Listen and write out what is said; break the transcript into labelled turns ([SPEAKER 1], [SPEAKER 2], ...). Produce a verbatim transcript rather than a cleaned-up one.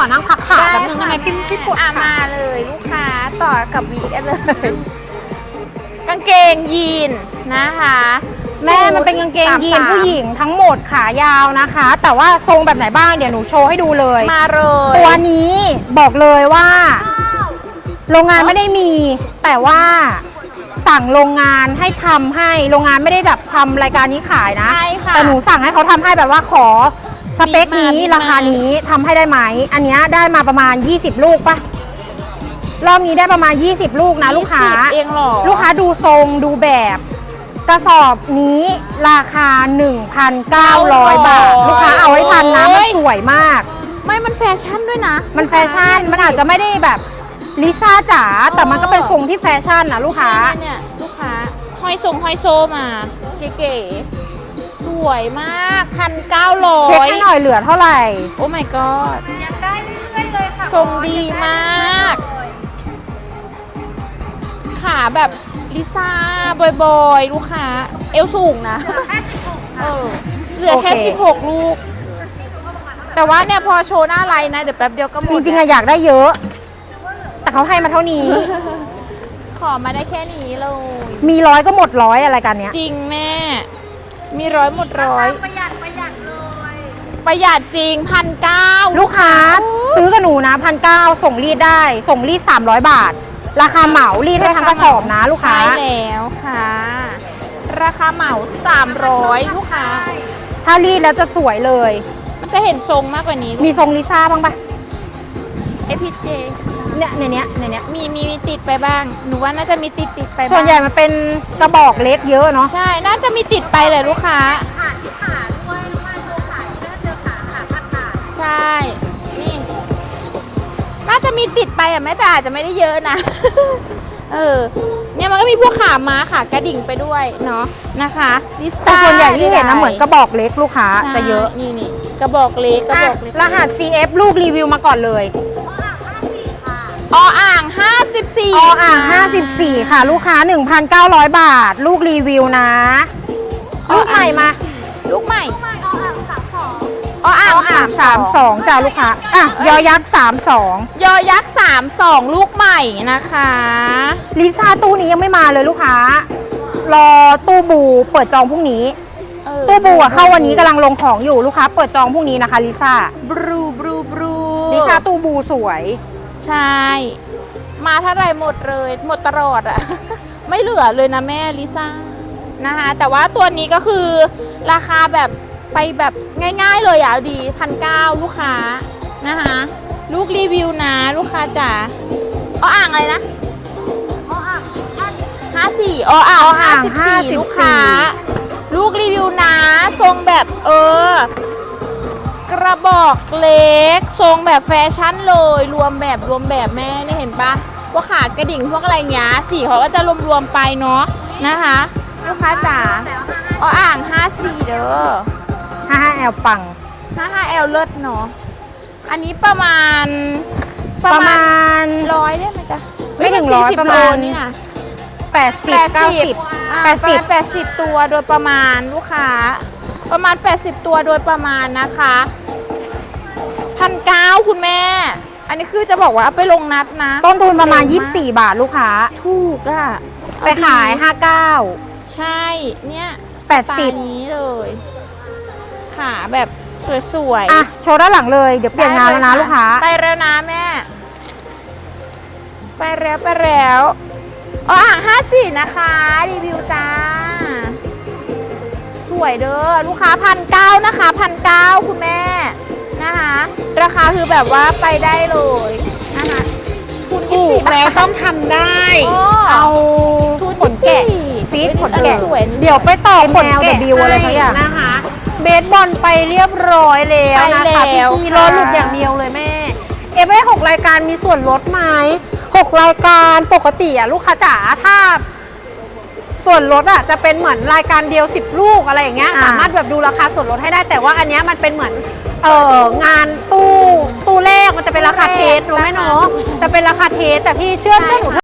[SPEAKER 1] อนั่งพักขาแป๊บนึงได้ไหมพี่พี่ปวด
[SPEAKER 2] อ่ะ
[SPEAKER 1] ขา
[SPEAKER 2] มาเลยลูกค้าต่อกับวีกันเลย กางเกงยีนนะคะ
[SPEAKER 1] แม่มันเป็นกางเกงยีนผู้หญิงทั้งหมดขายาวนะคะ แต่ว่าทรงแบบไหนบ้างเดี๋ยวหนูโชว์ให้ดูเลย
[SPEAKER 2] มาเลย
[SPEAKER 1] ตัวนี้บอกเลยว่าโรงงานไม่ได้มี แต่ว่าสั่งโรงงานให้ทำให้โรงงานไม่ได้แบบทำรายการนี้ขายนะ
[SPEAKER 2] ใช่ค่ะ
[SPEAKER 1] แต่หนูสั่งให้เขาทำให้แบบว่าขอสเปคนี้
[SPEAKER 2] มีมา
[SPEAKER 1] ราคานี้ทำให้ได้ไหมอันเนี้ยได้มาประมาณยี่สิบลูกปะรอบนี้ได้ประมาณยี่สิบลูกนะลูกค้า
[SPEAKER 2] ยี่สิบเองเหรอ
[SPEAKER 1] ลูกค้าดูทรงดูแบบ กระสอบนี้ราคา หนึ่งพันเก้าร้อย บาท ลูกค้าเอาให้ทันนะมันสวยมาก
[SPEAKER 2] ไม่มันแฟชั่นด้วยนะ
[SPEAKER 1] มันแฟชั่นมันอาจจะไม่ได้แบบลิซ่าจ๋าแต่มันก็เป็นทรงที่แฟชั่นนะลูกค้า
[SPEAKER 2] เนี่ยเนี่ยลูกค้าห้อยทรงห้อยโซมาเก๋ๆสวยมากพันเก้าร้อ
[SPEAKER 1] เช็ค
[SPEAKER 2] ย
[SPEAKER 1] ให้หน่อยเหลือเท่าไหร่
[SPEAKER 2] โอ้ my god
[SPEAKER 3] ยังได้เรื่อยๆเลยค่ะ
[SPEAKER 2] ทรงดีมาก ขาแบบลิซ่าบอยๆ ลูกค้า เอวสูงนะ
[SPEAKER 3] แค่สิบหก
[SPEAKER 2] เออเหลือแค่
[SPEAKER 1] โอเค
[SPEAKER 2] สิบหกลูก แต่ว่าเนี่ยพอโชว์หน้าไลน์นะ เดี๋ยวแป๊บเดียวก็หมด
[SPEAKER 1] จริงๆ
[SPEAKER 2] แล้ว
[SPEAKER 1] อะอยากได้เยอะ แต่เขาให้มาเท่านี้
[SPEAKER 2] ขอมาได้แค่นี้เลย
[SPEAKER 1] มีร้อยก็หมดร้อยอะไรกันเนี้ย
[SPEAKER 2] จริงแม่ มีร้อยหมดร้อย
[SPEAKER 3] ประหยัดประหยัดเลย
[SPEAKER 2] ประหยัดจริงพันเก้า
[SPEAKER 1] ลูกค้าซื้อกับหนูนะพันเก้าส่งรีดได้ ส่งรีดสามร้อยบาท ราคาเหมารีดให้ทั้งกระสอบนะลูกค้า
[SPEAKER 2] ใช่แล้วค่ะ ราคาเหมาสามร้อยลูกค้า
[SPEAKER 1] ถ้ารีดแล้วจะสวยเลย
[SPEAKER 2] มันจะเห็นทรงมากกว่านี้
[SPEAKER 1] มีทรงลิซ่าบ้างปะ
[SPEAKER 2] เอพีเจ
[SPEAKER 1] เนี่ยในเนี้ยในเนี้ย
[SPEAKER 2] มีมีมีติดไปบ้าง หนูว่าน่าจะมีติดติดไปบ้าง
[SPEAKER 1] ส่วนใหญ่มันเป็นกระบอกเล็กเยอะเนาะ
[SPEAKER 2] ใช่ น่าจะมีติดไปเลยลูกค้า
[SPEAKER 3] ขาที่ขาด้วยลูกค้าโชว์ขาที่น่าเจอขาขาขาขา
[SPEAKER 2] ใช่ นี่ น่าจะมีติดไปอ่ะแม่แต่อาจจะไม่ได้เยอะนะ เออ เนี่ยมันก็มีพวกขาม้าขากระดิ่งไปด้วยเนาะนะคะลิ
[SPEAKER 1] แต่
[SPEAKER 2] ซ่า
[SPEAKER 1] ส่วนใหญ่ที่เห็นนะเหมือนกระบอกเล็กลูกค้า
[SPEAKER 2] ใช่
[SPEAKER 1] จะเยอะ
[SPEAKER 2] นี่นี่กระบอกเล็กกระบอกเล็ก
[SPEAKER 1] รหัส ซี เอฟ ลูกรีวิวมาก่อนเลย
[SPEAKER 2] ออ่างห้าสิบสี่
[SPEAKER 1] ออ่างห้าสิบสี่ค่ะ ลูกค้า หนึ่งพันเก้าร้อย บาท ลูกรีวิวนะ ลูกใหม่มา
[SPEAKER 2] ลูกใหม่
[SPEAKER 3] ไม่เอาอ่างสามสอง
[SPEAKER 2] ออ่าง
[SPEAKER 1] ออ่างสามสองจ้าลูกค้าอ่ะยอยักษ์สามสอง
[SPEAKER 2] ยอยักษ์สามสองลูกใหม่นะคะ
[SPEAKER 1] ลิซ่าตู้นี้ยังไม่มาเลยลูกค้า รอตู้บูเปิดจองพรุ่งนี้
[SPEAKER 2] เออ
[SPEAKER 1] ตู้บูอะเข้าวันนี้กำลังลงของอยู่ลูกค้าเปิดจองพรุ่งนี้นะคะลิซ่า
[SPEAKER 2] บรูบรูบรู
[SPEAKER 1] ลิซ่าตู้บูสวย
[SPEAKER 2] ใช่ มาเท่าไรหมดเลย หมดตลอดอะ ไม่เหลือเลยนะแม่ลิซ่านะคะ แต่ว่าตัวนี้ก็คือราคาแบบไปแบบง่ายๆเลยอ่ะดีพันเก้าลูกค้านะคะลูกรีวิวนะลูกค้าจ๋าอ๋ออ่างอะไรนะ
[SPEAKER 3] เอาอ่างห้าสิบ
[SPEAKER 2] ห้าสี่อ๋ออ่าง
[SPEAKER 1] อ๋ออ่า
[SPEAKER 2] ห้าง สิบ
[SPEAKER 1] ห้า
[SPEAKER 2] สี่
[SPEAKER 1] สิบสี่
[SPEAKER 2] ลูกค้า ลูกรีวิวนะทรงแบบเออกระบอกเล็กทรงแบบแฟชั่นเลยรวมแบบรวมแบบแม่เนี่ยเห็นปะพวกขากระดิ่งพวกอะไรเงี้ยสีเขาก็จะรวมๆไปเนาะนะคะลูกค้าจ๋าอ๋ออ่างห้าสี่เด้อ
[SPEAKER 1] ห้าห้าแอลปัง
[SPEAKER 2] ห้าห้าแอลเลิศเนาะอันนี้ประมาณ
[SPEAKER 1] ประมาณ
[SPEAKER 2] ร้อยได้ไหมจ๊ะ
[SPEAKER 1] ไม่ถึง
[SPEAKER 2] เฮ้
[SPEAKER 1] ร้อย
[SPEAKER 2] สี่สิบ
[SPEAKER 1] ประมาณ
[SPEAKER 2] โลนี่นะ
[SPEAKER 1] แปดสิบเก้าสิบ
[SPEAKER 2] อ่า
[SPEAKER 1] แปดสิบ
[SPEAKER 2] ประมาณแปดสิบตัวโดยประมาณลูกค้า ประมาณแปดสิบตัวโดยประมาณนะคะพันเก้าคุณแม่ อันนี้คือจะบอกว่าเอาไปลงนัดนะ
[SPEAKER 1] ต้นทุนประมาณ
[SPEAKER 2] เร็ว
[SPEAKER 1] ยี่สิบสี่ บาทลูกค้า
[SPEAKER 2] ถูกอะ
[SPEAKER 1] ไปขาย ห้าสิบเก้า
[SPEAKER 2] ใช่ เนี่ย
[SPEAKER 1] แปดสิบ
[SPEAKER 2] สไตล์นี้เลย ขาแบบสวยๆ
[SPEAKER 1] อ่ะ โชว์ด้านหลังเลย เดี๋ยวเปลี่ยนงานแล้วนะลูกค้า
[SPEAKER 2] ไปแล้วนะแม่ ไปแล้วไปแล้วอ๋ออ่างห้าสี่นะคะ รีวิวจ้า สวยเด้อลูกค้าพันเก้านะคะพันเก้าคุณแม่นะคะ ราคาคือแบบว่าไปได้เลยนะคะคุณ
[SPEAKER 1] ถูกแล้วต้องทำได้ เอา
[SPEAKER 2] ทุน
[SPEAKER 1] ขนแกะ
[SPEAKER 2] ยี่สิบ
[SPEAKER 1] ฟีด
[SPEAKER 2] เฮ้ย
[SPEAKER 1] ขนแกะ
[SPEAKER 2] อัสวยนี่
[SPEAKER 1] เดี๋ยวไปต่อขน
[SPEAKER 2] แมว
[SPEAKER 1] แกะ
[SPEAKER 2] W
[SPEAKER 1] อะไรสักอย่าง
[SPEAKER 3] นะคะ เบสบอลไปเรียบร้อยแล้วนะคะ
[SPEAKER 2] ไปแล้ว
[SPEAKER 3] พี่
[SPEAKER 2] ค่ะ
[SPEAKER 3] รอหลุดอย่างเดียวเลยแม่ เอฟไอหกรายการมีส่วนลดไหมหกรายการปกติอะลูกค้าจ๋าถ้า ส่วนลดอะจะเป็นเหมือนรายการเดียวสิบลูกอะไรอย่างเงี้ย
[SPEAKER 1] อ่า
[SPEAKER 3] สามารถแบบดูราคาส่วนลดให้ได้แต่ว่าอันเนี้ยมันเป็นเหมือนเอองานตู้ตู้แรกมันจะเป็นราคาเทสรู้ไหมเนาะจะเป็นราคาเทสแต่พี่เชื่อเชื่อหนู